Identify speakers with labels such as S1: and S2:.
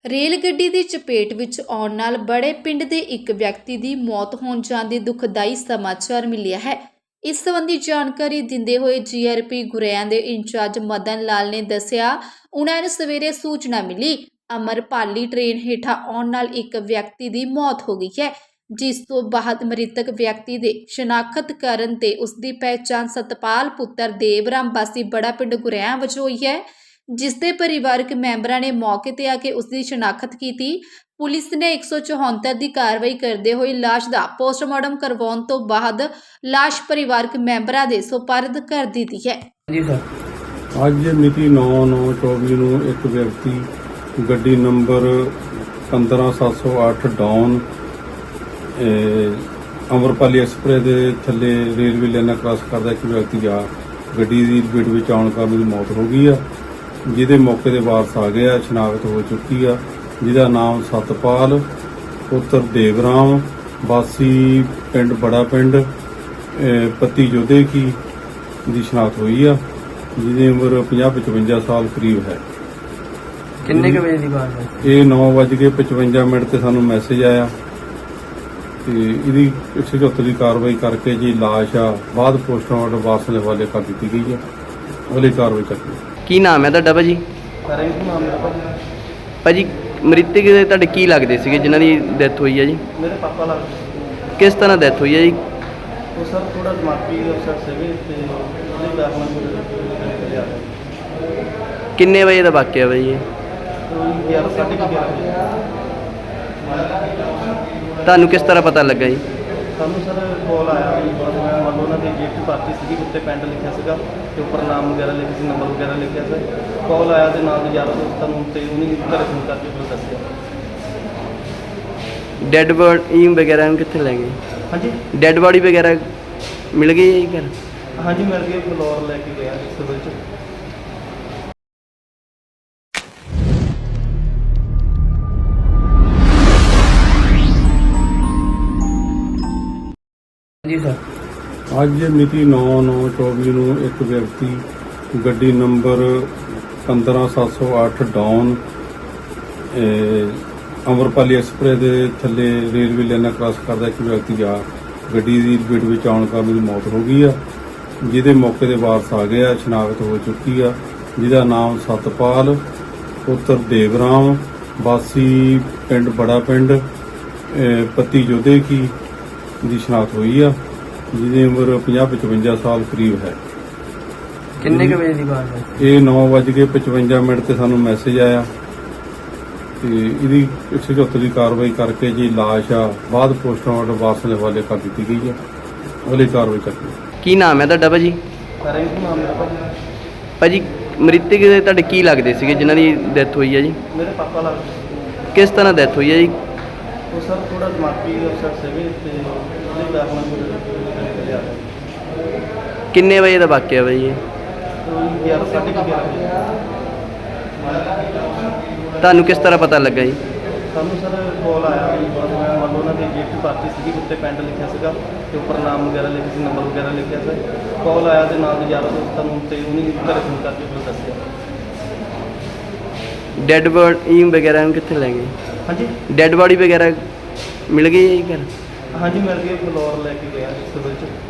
S1: Rail ਗੱਡੀ ਦੀ ਚਪੇਟ ਵਿੱਚ ਆਉਣ ਨਾਲ ਬੜੇ ਪਿੰਡ ਦੇ ਇੱਕ ਵਿਅਕਤੀ ਦੀ ਮੌਤ ਹੋਣ ਜਾਂਦੀ ਦੁਖਦਾਈ ਸਮਾਚਾਰ ਮਿਲਿਆ ਹੈ। ਇਸ ਸੰਬੰਧੀ ਜਾਣਕਾਰੀ ਦਿੰਦੇ ਹੋਏ ਜੀਆਰਪੀ ਗੁਰੇਆਂ ਦੇ ਇੰਚਾਰਜ ਮਦਨ ਲਾਲ ਨੇ ਦੱਸਿਆ, ਉਹਨਾਂ ਨੂੰ ਸਵੇਰੇ ਸੂਚਨਾ ਮਿਲੀ ਅਮਰਪਾਲੀ ਟ੍ਰੇਨ ਹੇਠਾਂ ਆਉਣ ਨਾਲ ਇੱਕ ਵਿਅਕਤੀ ਦੀ ਮੌਤ ਹੋ ਗਈ ਹੈ, ਜਿਸ ਤੋਂ ਬਾਅਦ ਮ੍ਰਿਤਕ ਵਿਅਕਤੀ ਦੇ ਸ਼ਨਾਖਤ ਕਰਨ ਤੇ ਉਸ ਦੀ ਪਹਿਚਾਣ ਸਤਪਾਲ ਪੁੱਤਰ ਦੇਵਰਾਮ ਵਾਸੀ ਬੜਾ ਪਿੰਡ ਗੁਰੇਆਂ ਵਜੋਂ ਹੋਈ ਹੈ, ਜਿਸ ਦੇ ਪਰਿਵਾਰਕ ਮੈਂਬਰਾਂ ਨੇ ਮੌਕੇ ਤੇ ਆ ਕੇ ਉਸ ਦੀ ਸ਼ਨਾਖਤ ਕੀਤੀ। ਪੁਲਿਸ ਨੇ 174 ਦੀ ਕਾਰਵਾਈ ਕਰਦੇ ਹੋਏ ਲਾਸ਼ ਦਾ ਪੋਸਟਮਾਰਟਮ ਕਰਵਾਉਣ ਤੋਂ ਬਾਅਦ ਲਾਸ਼ ਪਰਿਵਾਰਕ ਮੈਂਬਰਾਂ ਦੇ ਸੁਪਰਦ ਕਰ ਦਿੱਤੀ ਹੈ।
S2: ਜੀ ਸਰ,
S3: ਅੱਜ ਮਿਤੀ 9/9/24 ਨੂੰ ਇੱਕ ਵਿਅਕਤੀ ਗੱਡੀ ਨੰਬਰ 15708 ਡਾਊਨ ਅਮਰਪਾਲੀ ਐਕਸਪ੍ਰੈਸ ਦੇ ਥੱਲੇ ਰੇਲਵੇ ਲਾਈਨਾਂ ਕ੍ਰਾਸ ਕਰਦਾ ਇੱਕ ਵਿਅਕਤੀ ਆ ਗੱਡੀ ਦੀ ਲਪੇਟ ਵਿੱਚ ਆਉਣ ਕਾਰਨ ਉਹਦੀ ਮੌਤ ਹੋ ਗਈ ਆ, ਜਿਹਦੇ ਮੌਕੇ ਦੇ ਵਾਰਸ ਆ ਗਏ ਆ, ਸ਼ਨਾਖਤ ਹੋ ਚੁੱਕੀ ਆ, ਜਿਹਦਾ ਨਾਮ ਸਤਪਾਲ ਪੁੱਤਰ ਦੇਵਰਾਮ ਵਾਸੀ ਪਿੰਡ ਬੜਾ ਪਿੰਡ ਪੱਤੀ ਜੋਧੇ ਕੀ ਦੀ ਸ਼ਨਾਖਤ ਹੋਈ ਆ, ਜਿਹਦੀ ਉਮਰ 50-55 ਸਾਲ ਕਰੀਬ ਹੈ।
S2: ਕਿੰਨੇ ਕੁ ਵਜੇ ਦੀ ਬਾਤ ਹੈ?
S3: ਇਹ 9:55 ਤੇ ਸਾਨੂੰ ਮੈਸੇਜ ਆਇਆ ਤੇ ਇਹਦੀ 174 ਦੀ ਕਾਰਵਾਈ ਕਰਕੇ ਜੀ ਲਾਸ਼ ਆ ਬਾਅਦ ਪੋਸਟਮਾਰਟਮ ਵਾਰਸਾਂ ਦੇ ਹਵਾਲੇ ਕਰ ਦਿੱਤੀ ਗਈ ਹੈ। ਅਗਲੀ ਕਾਰਵਾਈ ਚੱਲੀ।
S2: ਕੀ ਨਾਮ ਹੈ ਤੁਹਾਡਾ ਭਾਜੀ?
S4: ਰਿੰਕੂ ਨਾਮ ਮੇਰਾ ਭਾਜੀ।
S2: ਭਾਜੀ ਮ੍ਰਿਤਕ ਦੇ ਤੁਹਾਡੇ ਕੀ ਲੱਗਦੇ ਸੀਗੇ ਜਿਨ੍ਹਾਂ ਦੀ ਡੈਥ ਹੋਈ ਹੈ ਜੀ?
S4: ਮੇਰੇ ਪਾਪਾ ਲੱਗਦੇ।
S2: ਕਿਸ ਤਰ੍ਹਾਂ ਡੈਥ ਹੋਈ ਹੈ ਜੀ?
S4: ਉਹ ਸਰ ਥੋੜਾ ਦਿਮਾਗੀ ਅਫਸਰ ਸੀਗੇ ਤੇ ਉਹਦੇ ਕਾਰਨ ਕੋਈ ਲਿਆ
S2: ਕਿੰਨੇ ਵਜੇ ਦਾ ਵਾਕਿਆ ਭਾਜੀ ਇਹ?
S4: 11:30
S2: ਤੁਹਾਨੂੰ ਕਿਸ ਤਰ੍ਹਾਂ ਪਤਾ ਲੱਗਾ ਜੀ?
S4: ਸਾਨੂੰ ਸਰ ਕਾਲ ਆਇਆ ਵੀ ਮੰਨ ਲਓ ਉਹਨਾਂ ਦੀ ਗਿਫਟ ਪਾਰਟੀ ਸੀਗੀ, ਉੱਤੇ ਪਿੰਡ ਲਿਖਿਆ ਸੀਗਾ ਤੇ ਉੱਪਰ ਨਾਮ ਵਗੈਰਾ ਲਿਖਿਆ ਸੀ, ਨੰਬਰ ਵਗੈਰਾ ਲਿਖਿਆ ਸੀ। ਕਾਲ ਆਇਆ ਦੇ ਨਾਲ ਯਾਰ ਦੋਸਤਾਂ ਨੂੰ ਤੇ ਉਹਨੇ ਘਰੇ ਫੋਨ ਕਰਕੇ ਮੈਨੂੰ ਦੱਸਿਆ।
S2: ਡੈੱਡ ਬੋਡੀ ਵਗੈਰਾ ਨੂੰ ਕਿੱਥੇ ਲੈ ਗਏ?
S4: ਹਾਂਜੀ
S2: ਡੈੱਡ ਬੋਡੀ ਵਗੈਰਾ ਮਿਲ ਗਈ ਹੈ ਜੀ ਘਰ?
S4: ਹਾਂਜੀ ਮਿਲ ਗਏ, ਫਲੋਰ ਲੈ ਕੇ ਗਿਆ ਸਿਵਲ 'ਚ।
S2: ਜੀ ਸਰ,
S3: ਅੱਜ ਮਿਤੀ 9/9/24 ਨੂੰ ਇੱਕ ਵਿਅਕਤੀ ਗੱਡੀ ਨੰਬਰ 15708 ਡਾਊਨ ਅਮਰਪਾਲੀ ਐਕਸਪ੍ਰੈਸ ਦੇ ਥੱਲੇ ਰੇਲਵੇ ਲਾਈਨਾਂ ਕ੍ਰਾਸ ਕਰਦਾ ਇੱਕ ਵਿਅਕਤੀ ਆ ਗੱਡੀ ਦੀ ਲਪੇਟ ਵਿੱਚ ਆਉਣ ਕਾਰਨ ਉਹਦੀ ਮੌਤ ਹੋ ਗਈ ਆ, ਜਿਹਦੇ ਮੌਕੇ ਦੇ ਵਾਰਸ ਆ ਗਏ ਆ, ਸ਼ਨਾਖਤ ਹੋ ਚੁੱਕੀ ਆ, ਜਿਹਦਾ ਨਾਮ ਸਤਪਾਲ ਪੁੱਤਰ ਦੇਵਰਾਮ ਵਾਸੀ ਪਿੰਡ ਬੜਾ ਪਿੰਡ ਪੱਤੀ ਜੋਧੇ ਕੀ ਦੀ ਸ਼ਨਾਖਤ ਹੋਈ ਆ, ਜਿਹਦੀ ਉਮਰ 50-55 ਸਾਲ ਕਰੀਬ ਹੈ।
S2: ਕਿੰਨੇ ਕੁ ਵਜੇ ਦੀ ਬਾਤ ਹੈ?
S3: ਇਹ 9:55 ਤੇ ਸਾਨੂੰ ਮੈਸੇਜ ਆਇਆ ਤੇ ਇਹਦੀ 174 ਦੀ ਕਾਰਵਾਈ ਕਰਕੇ ਜੀ ਲਾਸ਼ ਆ ਬਾਅਦ ਪੋਸਟਮਾਰਟਮ ਵਾਰਸਾਂ ਦੇ ਹਵਾਲੇ ਕਰ ਦਿੱਤੀ ਗਈ ਹੈ। ਅਗਲੀ ਕਾਰਵਾਈ ਚੱਲੀ।
S2: ਕੀ ਨਾਮ ਹੈ ਤੁਹਾਡਾ ਭਾਜੀ?
S4: ਰਿੰਕੂ ਨਾਮ ਮੇਰਾ ਭਾਜੀ।
S2: ਭਾਜੀ ਮ੍ਰਿਤਕ ਦੇ ਤੁਹਾਡੇ ਕੀ ਲੱਗਦੇ ਸੀਗੇ ਜਿਨ੍ਹਾਂ ਦੀ ਡੈਥ ਹੋਈ ਹੈ ਜੀ?
S4: ਮੇਰੇ ਪਾਪਾ ਲੱਗਦੇ।
S2: ਕਿਸ ਤਰ੍ਹਾਂ ਡੈਥ ਹੋਈ ਹੈ ਜੀ?
S4: ਉਹ ਸਰ ਥੋੜਾ ਦਿਮਾਗੀ ਅਫਸਰ ਸੀਗੇ ਤੇ ਉਹਦੇ ਕਾਰਨ ਕੋਈ ਲਿਆ
S2: ਕਿੰਨੇ ਵਜੇ ਦਾ ਵਾਕਿਆ ਭਾਜੀ ਇਹ?
S4: 11:30
S2: ਤੁਹਾਨੂੰ ਕਿਸ ਤਰ੍ਹਾਂ ਪਤਾ ਲੱਗਾ ਜੀ?
S4: ਸਾਨੂੰ ਸਰ ਕਾਲ ਆਇਆ ਵੀ ਮੰਨ ਲਓ ਉਹਨਾਂ ਦੀ ਗਿਫਟ ਪਾਰਟੀ ਸੀਗੀ, ਉੱਤੇ ਪਿੰਡ ਲਿਖਿਆ ਸੀਗਾ ਤੇ ਉੱਪਰ ਨਾਮ ਵਗੈਰਾ ਲਿਖਿਆ ਸੀ, ਨੰਬਰ ਵਗੈਰਾ ਲਿਖਿਆ ਸੀ। ਕਾਲ ਆਇਆ ਦੇ ਨਾਲ ਯਾਰ ਦੋਸਤਾਂ ਨੂੰ ਤੇ ਉਹਨੇ ਘਰੇ ਫੋਨ ਕਰਕੇ ਮੈਨੂੰ ਦੱਸਿਆ।
S2: ਡੈੱਡ ਬੋਡੀ ਵਗੈਰਾ ਨੂੰ ਕਿੱਥੇ ਲੈ ਗਏ?
S4: ਹਾਂਜੀ
S2: ਡੈੱਡ ਬੋਡੀ ਵਗੈਰਾ ਮਿਲ ਗਈ ਹੈ ਜੀ ਘਰ?
S4: ਹਾਂਜੀ ਮਿਲ ਗਏ, ਫਲੋਰ ਲੈ ਕੇ ਗਿਆ ਸਿਵਲ 'ਚ।